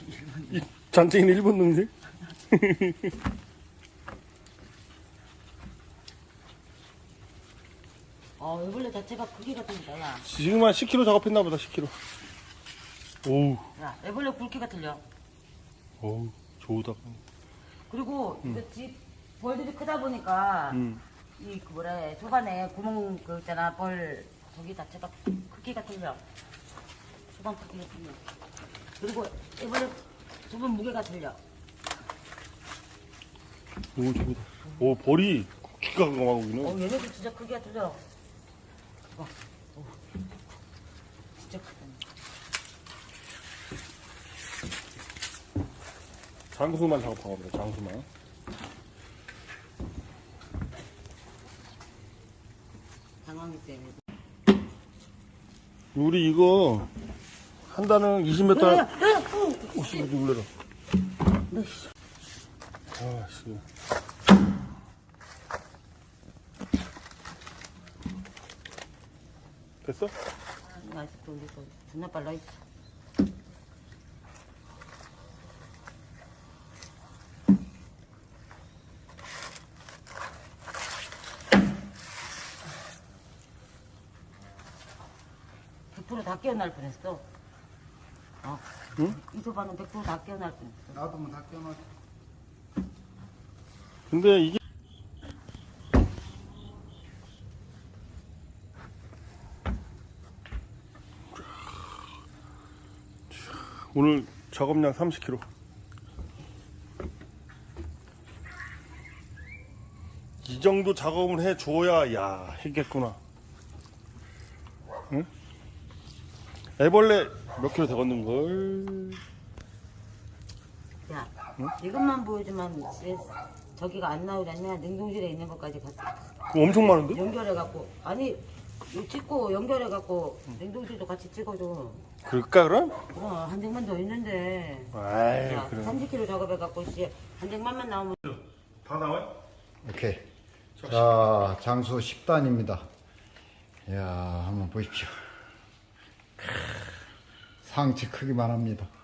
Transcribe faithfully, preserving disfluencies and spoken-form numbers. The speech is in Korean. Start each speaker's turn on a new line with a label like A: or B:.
A: 이 잔챙이는 일본 놈들?
B: 어, 애벌레 자체가 크기가 틀리다, 야.
A: 지금 한 십 킬로그램 작업했나 보다, 십 킬로그램. 오우,
B: 야, 애벌레 굵기가 틀려.
A: 어우, 좋다.
B: 그리고 이거 집 벌들이 크다 보니까
A: 음.
B: 이 그 뭐라 해, 초반에 구멍 그 있잖아, 벌 저기 자체가 크기가 틀려. 초반 크기가 틀려. 그리고 애벌레 저번 무게가 틀려.
A: 오, 좋다. 오, 벌이 기가 강하고 있네.
B: 어, 얘네들 진짜 크기가 틀려. 봐. 어. 진짜 크다.
A: 장수만 작업하고 그래, 장수만.
B: 당황했어, 얘네들.
A: 우리 이거 한 단은 이십 미터.
B: 야, 야, 야, 어.
A: 오씨, 이거 놀래라.
B: 너, 씨.
A: 아, 씨. 됐어?
B: 아, 아직도 우리 거 존나 빨라, 이씨. 백 퍼센트 다 깨어날 뻔했어. 어.
A: 응?
B: 이 소바는 백 퍼센트 다 깨어날 뻔했어.
C: 나도 뭐 다 깨어났.
A: 근데 이게 오늘 작업량 삼십 킬로그램. 이 정도 작업을 해줘야 야 했겠구나. 응? 애벌레 몇 킬로 되겠는걸?
B: 야, 이것만 보여주면 왜 저기가 안 나오지 않냐? 냉동실에 있는 것까지 같이
A: 그거 엄청 많은데?
B: 연결해갖고. 아니, 이거 찍고 연결해갖고 냉동실도 같이 찍어줘.
A: 그럴까 그럼?
B: 그럼 한 쟁만 더 있는데.
A: 아이
B: 야,
A: 그래.
B: 삼십 킬로그램 작업해갖고 씨, 한 쟁만만 나오면.
A: 다 나와요?
C: 오케이. 자, 장수 십 단입니다. 이야, 한번 보십시오. 크, 상치 크기만 합니다.